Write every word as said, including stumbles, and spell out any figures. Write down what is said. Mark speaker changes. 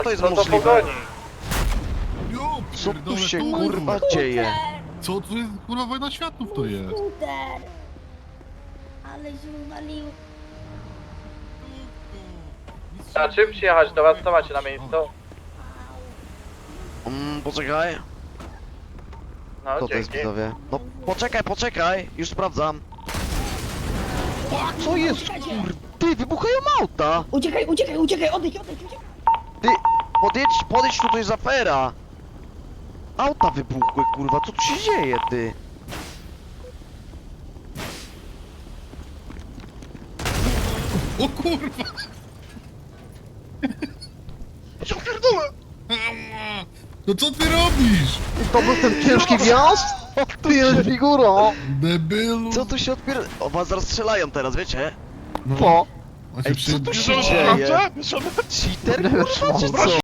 Speaker 1: To jest
Speaker 2: No to
Speaker 1: możliwe.
Speaker 2: pogoni.
Speaker 3: Jo,
Speaker 1: Co tu
Speaker 3: pierdolę,
Speaker 1: się
Speaker 3: kurwa.
Speaker 1: kurwa dzieje?
Speaker 3: Co tu jest, kurwa, wojna światów to jest?
Speaker 4: Skuter! Ale się uwalił.
Speaker 2: A czym przyjechać do was? Co macie na miejscu?
Speaker 1: Mm, poczekaj.
Speaker 2: No,
Speaker 1: Co to jest
Speaker 2: dzięki.
Speaker 1: widzowie? No poczekaj, poczekaj, już sprawdzam. Co jest kur... Ty, wybuchają auta!
Speaker 4: Uciekaj, uciekaj, uciekaj, odejdź, odejdź, uciekaj!
Speaker 1: Ty, podjedź, podejdź tu, to jest afera! Auta wybuchły, kurwa, co tu się dzieje, ty?
Speaker 3: O kurwa!
Speaker 1: Ja pierdolę!
Speaker 3: No co ty robisz?
Speaker 1: To był ten ciężki wjazd? Ty jest figurą!
Speaker 3: Debilu!
Speaker 1: Co tu się odpier... O, was zaraz strzelają teraz, wiecie?
Speaker 3: No.
Speaker 1: Po!
Speaker 3: On się
Speaker 1: Ej,
Speaker 3: przy...
Speaker 1: co tu się dzieje? Cheater, kurwa, czy co?